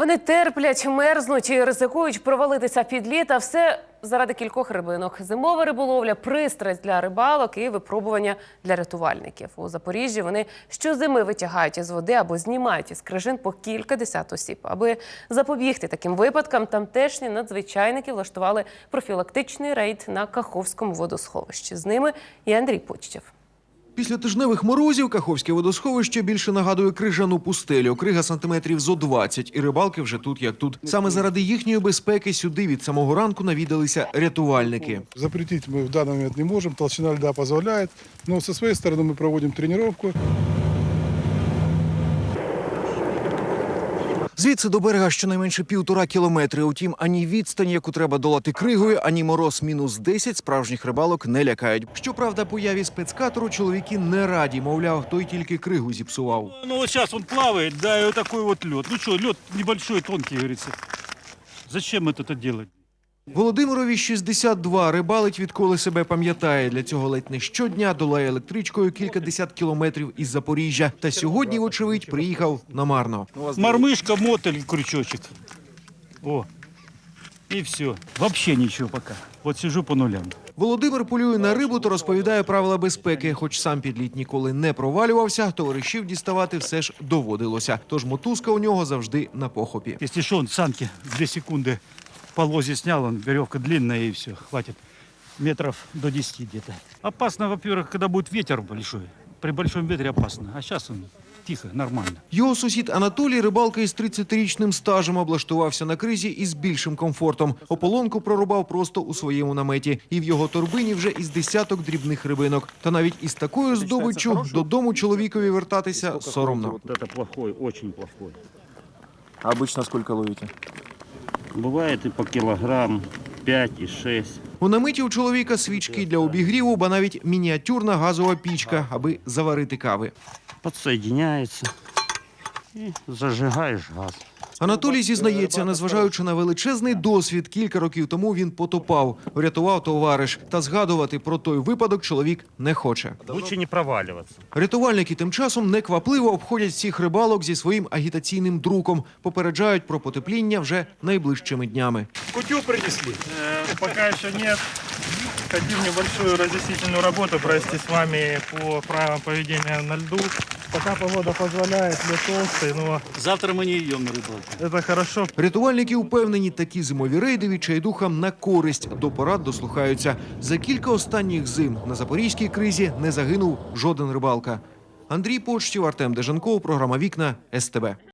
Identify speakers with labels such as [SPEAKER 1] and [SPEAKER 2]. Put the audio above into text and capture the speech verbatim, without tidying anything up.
[SPEAKER 1] Вони терплять, мерзнуть і ризикують провалитися під лід, а все заради кількох рибинок. Зимова риболовля – пристрасть для рибалок і випробування для рятувальників. У Запоріжжі вони щозими витягають із води або знімають із крижин по кілька десят осіб. Аби запобігти таким випадкам, тамтешні надзвичайники влаштували профілактичний рейд на Каховському водосховищі. З ними і Андрій Почтєв.
[SPEAKER 2] Після тижневих морозів Каховське водосховище більше нагадує крижану пустелю. Крига сантиметрів зо двадцять, і рибалки вже тут як тут. Саме заради їхньої безпеки сюди від самого ранку навідалися рятувальники.
[SPEAKER 3] Запретить мы в данный момент не можем, толщина льда позволяет, но со своей стороны мы проводим тренировку.
[SPEAKER 2] Звідси до берега щонайменше півтора кілометри. Утім, ані відстань, яку треба долати кригою, ані мороз мінус десять справжніх рибалок не лякають. Щоправда, появі спецкатеру чоловіки не раді. Мовляв, той тільки кригу зіпсував.
[SPEAKER 4] Ну вот сейчас он плавает, да, и вот такой вот лед. Ну что, лед небольшой, тонкий, говорится. Зачем это это делать?
[SPEAKER 2] Володимирові шістдесят два, рибалить відколи себе пам'ятає. Для цього ледь не щодня долає електричкою кілька десят кілометрів із Запоріжжя. Та сьогодні, вочевидь, приїхав намарно.
[SPEAKER 4] Мормышка, мотель, крючочек. О, и все. Вообще ничего пока. Вот сижу по нулям.
[SPEAKER 2] Володимир полює на рибу та розповідає правила безпеки. Хоч сам під лід ніколи не провалювався, товаришів діставати все ж доводилося. Тож мотузка у нього завжди на похопі.
[SPEAKER 4] Если что, он санки две секунды по лозе снял, он веревка длинная и все, хватит метров до десяти где-то. Опасно, во-первых, когда будет ветер большой. При большом ветре опасно, а сейчас он тихо, нормально.
[SPEAKER 2] Його сусід Анатолій, рибалка із тридцятирічним стажем, облаштувався на кризі із більшим комфортом. Ополонку прорубав просто у своєму наметі. І в його торбині вже із десяток дрібних рибинок. Та навіть із такою здобиччю додому чоловікові вертатися соромно.
[SPEAKER 4] Вот это плохой, очень плохой.
[SPEAKER 5] А обычно сколько ловите?
[SPEAKER 4] Бывает и по килограмм, пять и шесть.
[SPEAKER 2] У наметі у чоловіка свічки для обігріву, ба навіть мініатюрна газова пічка, аби заварити кави.
[SPEAKER 4] Подсоединяется и зажигаешь газ.
[SPEAKER 2] Анатолій зізнається, незважаючи на величезний досвід, кілька років тому він потопав, врятував товариш. Та згадувати про той випадок чоловік не хоче.
[SPEAKER 4] Лучше не проваливаться.
[SPEAKER 2] Рятувальники тим часом неквапливо обходять всіх рибалок зі своїм агітаційним друком. Попереджають про потепління вже найближчими днями.
[SPEAKER 6] Кутю принесли? Э, пока еще нет. Хотим небольшую разъяснительную работу провести с вами по правилам поведения на льду. Пока погода позволяет, лед толстый, но
[SPEAKER 4] Завтра мы не идем на рыбалку.
[SPEAKER 6] это хорошо.
[SPEAKER 2] Рятувальники впевнені, такі зимові рейди відчайдухам на користь. До порад дослухаються. За кілька останніх зим на запорізькій кризі не загинув жоден рибалка. Андрій Почтєв, Артем Деженков, програма «Вікна», ес те бе.